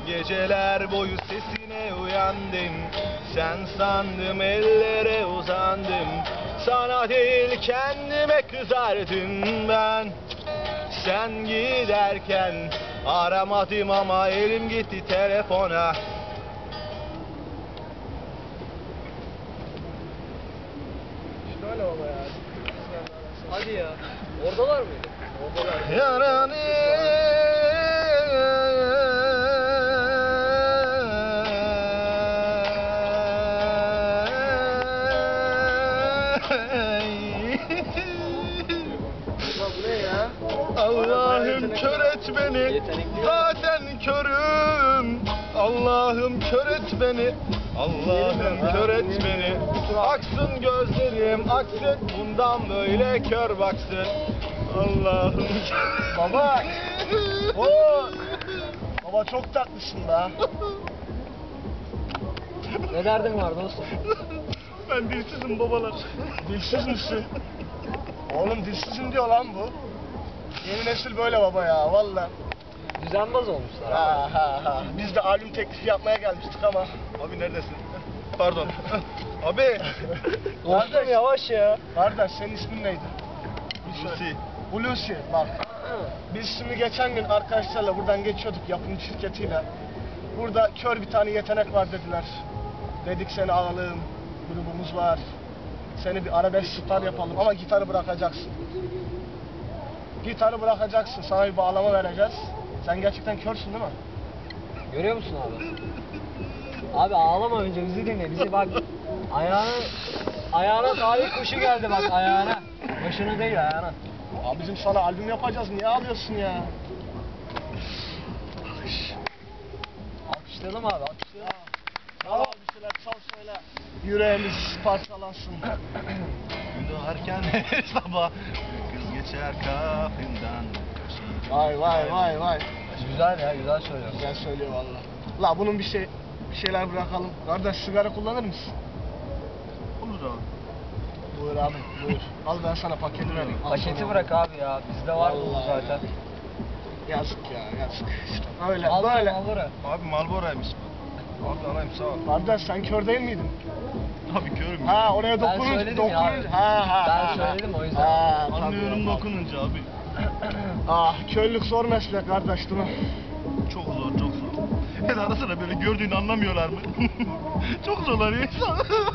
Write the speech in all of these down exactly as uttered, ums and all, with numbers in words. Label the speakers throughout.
Speaker 1: Geceler boyu sesine uyandım. Sen sandım ellere uzandım. Sana değil kendime kızardım ben. Sen giderken aramadım ama elim gitti telefona.
Speaker 2: Şöyle baba ya. Hadi ya. Oradalar mıydı? Oradalar.
Speaker 1: Yaranı
Speaker 2: Bu ne ya?
Speaker 1: Allah'ım kör et beni. Zaten körüm. Allah'ım kör et beni. Allah'ım kör et beni. Aksın gözlerim, aksın bundan böyle kör baksın. Allah'ım.
Speaker 2: Baba. Oo. Baba çok tatlısın da. Ne derdin var dostum?
Speaker 1: Ben dilsizim babalar.
Speaker 2: Dilsiz misin? Oğlum dilsizim diyor lan bu. Yeni nesil böyle baba ya valla.
Speaker 3: Düzenbaz olmuşlar.
Speaker 2: Ha ha ha. Biz de albüm teklifi yapmaya gelmiştik ama.
Speaker 1: Abi neredesin? Pardon. Abi.
Speaker 3: Dostum yavaş ya.
Speaker 2: Kardeş senin ismin neydi?
Speaker 1: Hulusi.
Speaker 2: Hulusi bak. Biz şimdi geçen gün arkadaşlarla buradan geçiyorduk yapım şirketiyle. Burada kör bir tane yetenek var dediler. Dedik seni alalım. Grubumuz var. Seni bir arabesk star yapalım ama gitarı bırakacaksın. Gitarı bırakacaksın. Sana bir bağlama vereceğiz. Sen gerçekten körsün değil mi?
Speaker 3: Görüyor musun abi? Abi ağlama önce bizi dinle. Bizi bak ayağına ayağına talih kuşu geldi bak ayağına. Başına değil ayağına.
Speaker 2: Abi bizim sana albüm yapacağız. Niye ağlıyorsun ya?
Speaker 3: Alkışlayalım abi alkışlayalım.
Speaker 2: Al bir şeyler çal söyle. Yüreğimiz parçalansın.
Speaker 1: Gün doğarken her sabah kız geçer kapından.
Speaker 2: Vay vay vay vay.
Speaker 3: Güzel ya güzel söylüyorsun.
Speaker 2: Güzel söylüyor valla. La bunun bir şey bir şeyler bırakalım. Kardeş sigara kullanır mısın?
Speaker 1: Olur abi.
Speaker 2: Buyur abi buyur. Al ben sana paketi vereyim. Al
Speaker 3: Paketi
Speaker 2: sana.
Speaker 3: bırak abi ya. Bizde var bu
Speaker 2: Vallahi.
Speaker 3: zaten.
Speaker 2: Yazık ya yazık. İşte öyle
Speaker 3: Al
Speaker 2: böyle.
Speaker 3: Al bura.
Speaker 1: Abi Marlboro'ymuş bu. Abi alayım sağ ol.
Speaker 2: Kardeş sen kör değil miydin?
Speaker 1: Abi körüm.
Speaker 2: Ha oraya
Speaker 3: Ben
Speaker 2: dokununca
Speaker 3: söyledim ya abi.
Speaker 2: dokununca. Ha ha.
Speaker 3: Ben
Speaker 2: ha,
Speaker 3: söyledim o yüzden.
Speaker 2: Ha, tabii,
Speaker 1: Anlıyorum
Speaker 2: tabii.
Speaker 1: dokununca abi.
Speaker 2: Ah körlük zor meslek kardeş değil mi?
Speaker 1: Çok zor, çok zor. Hele ara sıra böyle gördüğünü anlamıyorlar mı? Çok zorlanıyor insan.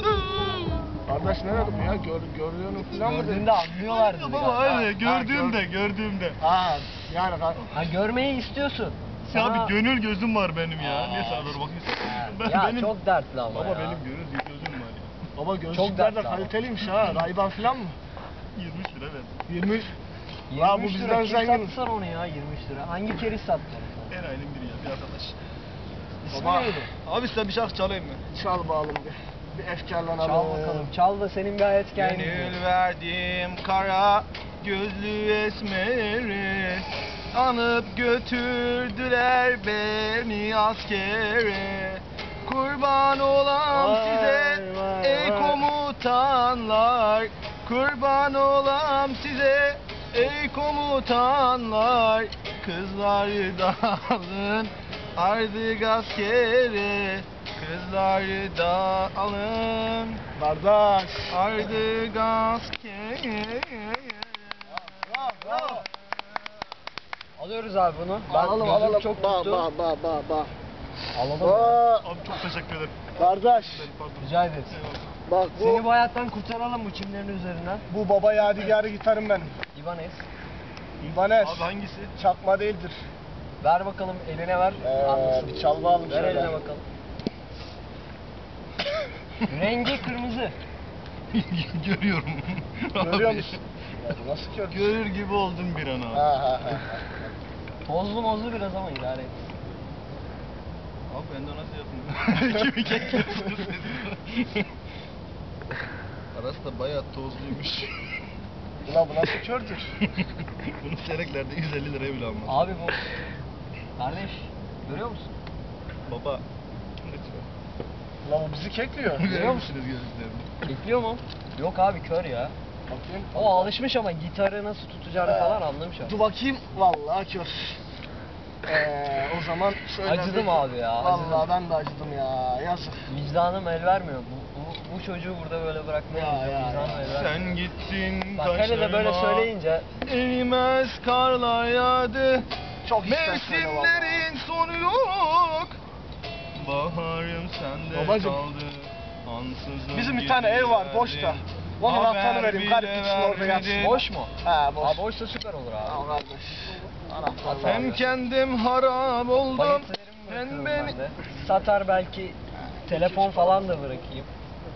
Speaker 2: Kardeş ne dedim ya? Gör, gördüğünü falan mı
Speaker 3: Gördüğünde
Speaker 2: dedin?
Speaker 3: anlıyorlar bizi.
Speaker 1: Baba
Speaker 3: galiba.
Speaker 1: öyle gördüğümde, gördüğümde.
Speaker 2: Ha yani kar-
Speaker 3: Ha görmeyi istiyorsun.
Speaker 1: Ya
Speaker 3: Sana-
Speaker 1: abi gönül gözüm var benim ya. Niye sana doğru bakıyorsun? Ben,
Speaker 3: Ya
Speaker 1: benim,
Speaker 3: çok dertli ama
Speaker 1: Baba
Speaker 3: ya.
Speaker 1: benim gönül gözüm var ya.
Speaker 2: Baba gözlükler de
Speaker 3: dertli ama.
Speaker 2: kaliteliymiş ha. Ray-Ban falan mı?
Speaker 1: yirmi üç lira verdim.
Speaker 2: yirmi.
Speaker 3: yirmi
Speaker 2: Ya bu
Speaker 3: üç lira
Speaker 2: bizden
Speaker 3: kim
Speaker 2: zengin.
Speaker 3: satsana onu ya yirmi üç lira. Hangi keriz sattı onu?
Speaker 1: Her ayının biri ya bir arkadaş.
Speaker 3: İsmi
Speaker 2: Baba.
Speaker 3: neydi?
Speaker 1: Abi size bir şarkı çalayım mı?
Speaker 2: Çal bağlım bir. Bir efkarlanalım.
Speaker 3: Çal bakalım. Çal da senin bir hayat hikayen.
Speaker 1: Gönül verdim kara gözlü esmeri. Anıp götürdüler beni askere. Kurban olam
Speaker 2: Vay,
Speaker 1: size
Speaker 2: vay,
Speaker 1: ey
Speaker 2: vay.
Speaker 1: komutanlar. Kurban olam size ey komutanlar. Kızları da alın artık askere. Kızları da alın
Speaker 2: Kardeş.
Speaker 1: artık askere.
Speaker 2: Bravo, bravo.
Speaker 3: Alıyoruz abi bunu. Ben
Speaker 2: Alalım
Speaker 3: gözüm
Speaker 2: alalım.
Speaker 3: çok
Speaker 2: Ba
Speaker 3: tuttu.
Speaker 2: ba ba ba ba.
Speaker 3: Alalım.
Speaker 2: Ba.
Speaker 1: Abi çok teşekkür ederim.
Speaker 2: Kardeş.
Speaker 1: Pardon.
Speaker 3: Rica ederiz.
Speaker 2: Bak bu
Speaker 3: Seni bu hayattan kurtaralım bu çimlerin üzerinden.
Speaker 2: bu baba yadigarı gitarım benim.
Speaker 3: İbanez.
Speaker 2: İbanez.
Speaker 1: Abi hangisi?
Speaker 2: Çakma değildir.
Speaker 3: Ver bakalım eline ver.
Speaker 2: Ee,
Speaker 3: Anlasın.
Speaker 2: bir çal bağalım
Speaker 3: Ver
Speaker 2: şöyle.
Speaker 3: eline bakalım. Rengi kırmızı.
Speaker 1: Görüyorum.
Speaker 2: Görüyor
Speaker 1: Abi,
Speaker 2: musun? Ya bu nasıl kör?
Speaker 1: Görür gibi oldum bir an abi.
Speaker 2: Ha ha ha.
Speaker 3: Tozlu mozlu biraz ama idare et.
Speaker 1: Abi ben de nasıl yapayım? Kimi kekliyorsunuz siz? Arası da bayağı tozluymuş.
Speaker 2: Ulan bu nasıl kördür?
Speaker 1: Bunu seneklerde yüz elli liraya bile almaz.
Speaker 3: Abi bu. Kardeş görüyor musun?
Speaker 1: Baba. Lütfen.
Speaker 2: Ulan bu bizi kekliyor.
Speaker 1: Görüyor musunuz gözlüklerini?
Speaker 3: Bekliyor mu? Yok abi kör ya.
Speaker 2: Bakayım.
Speaker 3: O alışmış ama gitarı nasıl tutacağını falan anlamış abi.
Speaker 2: Dur bakayım. Vallahi kör. Ee, o zaman şöyle
Speaker 3: Acıdım
Speaker 2: bir-
Speaker 3: abi ya,
Speaker 2: Vallahi
Speaker 3: acıdım.
Speaker 2: ben de acıdım ya. Yazık.
Speaker 3: Vicdanım el vermiyor. Bu, bu, bu çocuğu burada böyle bırakmaya
Speaker 2: Ya, ya,
Speaker 3: vicdanım
Speaker 2: ya.
Speaker 3: el vermiyor.
Speaker 1: Sen gittin
Speaker 3: Bak hele de böyle
Speaker 1: taşlarıma,
Speaker 3: söyleyince
Speaker 1: erimez karlar yağdı.
Speaker 2: Çok içten söyle vallahi.
Speaker 1: Mevsimlerin sonu yok. Baharım sende
Speaker 2: Babacım,
Speaker 1: kaldı. Ansızın
Speaker 2: bizim bir tane ev var, boş da.
Speaker 1: geldin.
Speaker 2: Onun
Speaker 1: Haber
Speaker 2: anahtarını vereyim.
Speaker 1: bile
Speaker 2: Garip gitsin orada yatsın.
Speaker 1: vermedin.
Speaker 3: boş mu?
Speaker 2: He boş.
Speaker 3: Abi boşsa süper olur abi.
Speaker 2: Al kardeş. Anahtar
Speaker 3: At
Speaker 2: var.
Speaker 1: Hem kendim harap oldum.
Speaker 3: Paketlerimi
Speaker 1: Hem
Speaker 3: bırakıyorum
Speaker 1: beni...
Speaker 3: ben de. Satar belki telefon falan da bırakayım.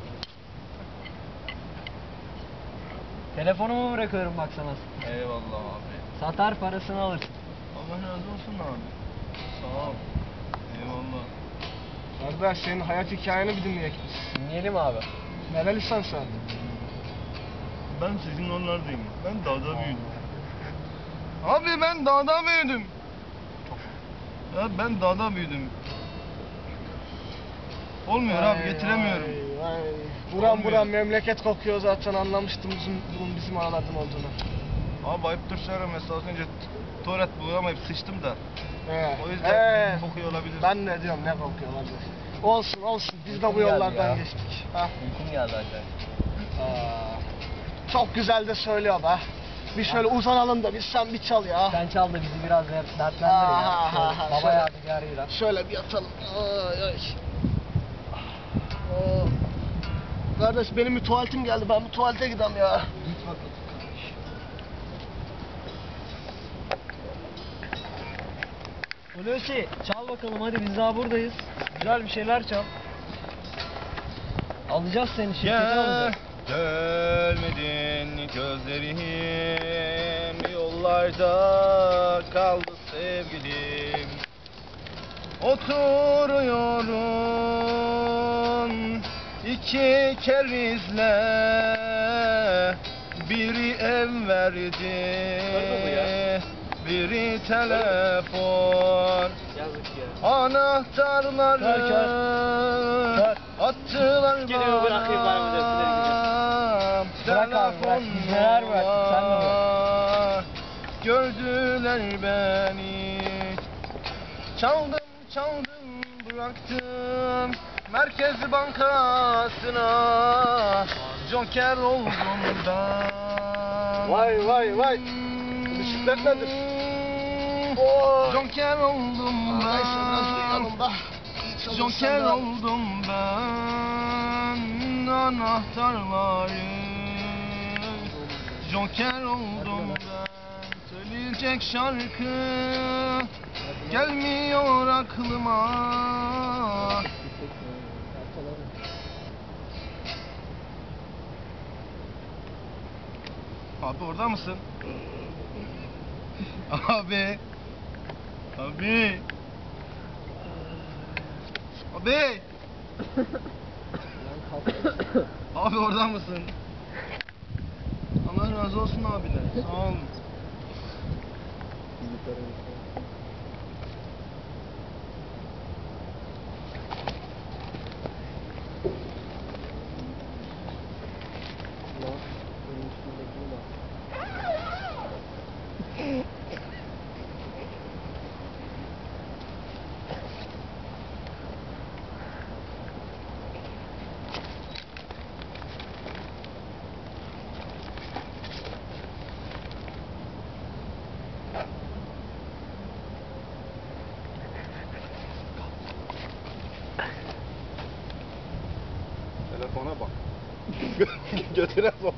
Speaker 3: Telefonumu bırakıyorum bak sana.
Speaker 1: Eyvallah abi.
Speaker 3: Satar parasını alırsın.
Speaker 1: Allah razı olsun abi. Sağ ol. Eyvallah.
Speaker 2: Kardeş senin hayat hikayeni bir dinleyek biz.
Speaker 3: Dinleyelim abi.
Speaker 2: Nerelisin sen?
Speaker 1: Ben sizin oralardayım. Ben dağda büyüdüm. Abi ben dağda büyüdüm. Ya ben dağda büyüdüm. Olmuyor abi, getiremiyorum.
Speaker 2: Vay, vay. Buram
Speaker 1: Olmuyor.
Speaker 2: buram memleket kokuyor zaten, anlamıştım bizim, bunun bizim aralardan olduğunu.
Speaker 1: Abi ayıptır söyleme, mesela az önce t- tuvalet bulamayıp sıçtım da.
Speaker 2: He.
Speaker 1: O yüzden
Speaker 2: He.
Speaker 1: kokuyor olabilir.
Speaker 2: Ben ne diyorum, ne kokuyor kardeş. Olsun olsun, biz de bu
Speaker 3: Uykum geldi
Speaker 2: yollardan
Speaker 3: ya.
Speaker 2: geçtik. Ha?
Speaker 3: Uykum geldi acayip.
Speaker 2: Aa, çok güzel de söylüyor be. Bir şöyle uzanalım da biz, sen bir çal ya.
Speaker 3: Sen çal da bizi biraz dert- dertlendir
Speaker 2: Ha,
Speaker 3: ya.
Speaker 2: ha, ha,
Speaker 3: Şöyle Baba
Speaker 2: şöyle.
Speaker 3: yadigarıyla.
Speaker 2: Şöyle bir yatalım. Ay ay. Aa. Kardeş benim bir tuvaletim geldi, ben bu tuvalete gideyim ya.
Speaker 3: Git bakalım kardeş. Hulusi çal bakalım hadi, biz daha buradayız. Güzel bir şeyler çal. Alacağız seni, şirkete
Speaker 1: Gel,
Speaker 3: alacağız.
Speaker 1: gelmedin gözlerim, yollarda kaldı sevgilim. Oturuyorum iki kerizle, biri ev verdi, biri telefon.
Speaker 3: Yazık ya.
Speaker 1: Anahtarları
Speaker 3: Kör, kör. Kör.
Speaker 1: attılar
Speaker 3: Geliyor, bırakayım bana bir de, Bırak abi, bırak. Biz neler bıraktık, sen de bırak.
Speaker 1: var. Gördüler beni. Çaldım çaldım bıraktım Merkez Bankası'na. Joker oldum ben.
Speaker 2: Vay vay vay. Bisiklet nedir? Oo.
Speaker 1: Joker oldum
Speaker 2: Neyse biraz
Speaker 1: ben.
Speaker 2: uyuyalım da.
Speaker 1: Joker oldum ben. Anahtarları Joker oldum ben. Söyleyecek şarkı gelmiyor aklıma. Abi orada mısın? Abi. Abi. Abi. Abi orada mısın? Allah razı olsun abiden. Sağ olun. Telefona bak. Götüne bak.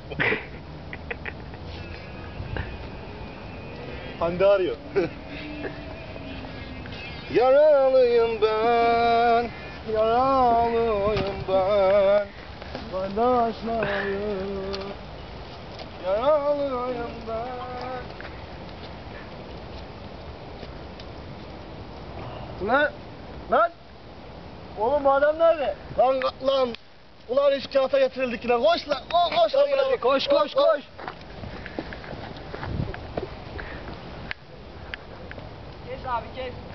Speaker 1: Hande arıyor. Yaralıyım ben, yaralıyım ben. Kardeşlerim, yaralıyım ben.
Speaker 2: Ulan, lan!
Speaker 3: Oğlum bu adam nerede?
Speaker 2: Lan, lan! Ulan iş kağıta getirildik yine, koş lan! Koş, koş lan!
Speaker 3: Hadi koş koş koş. Kes abi kes.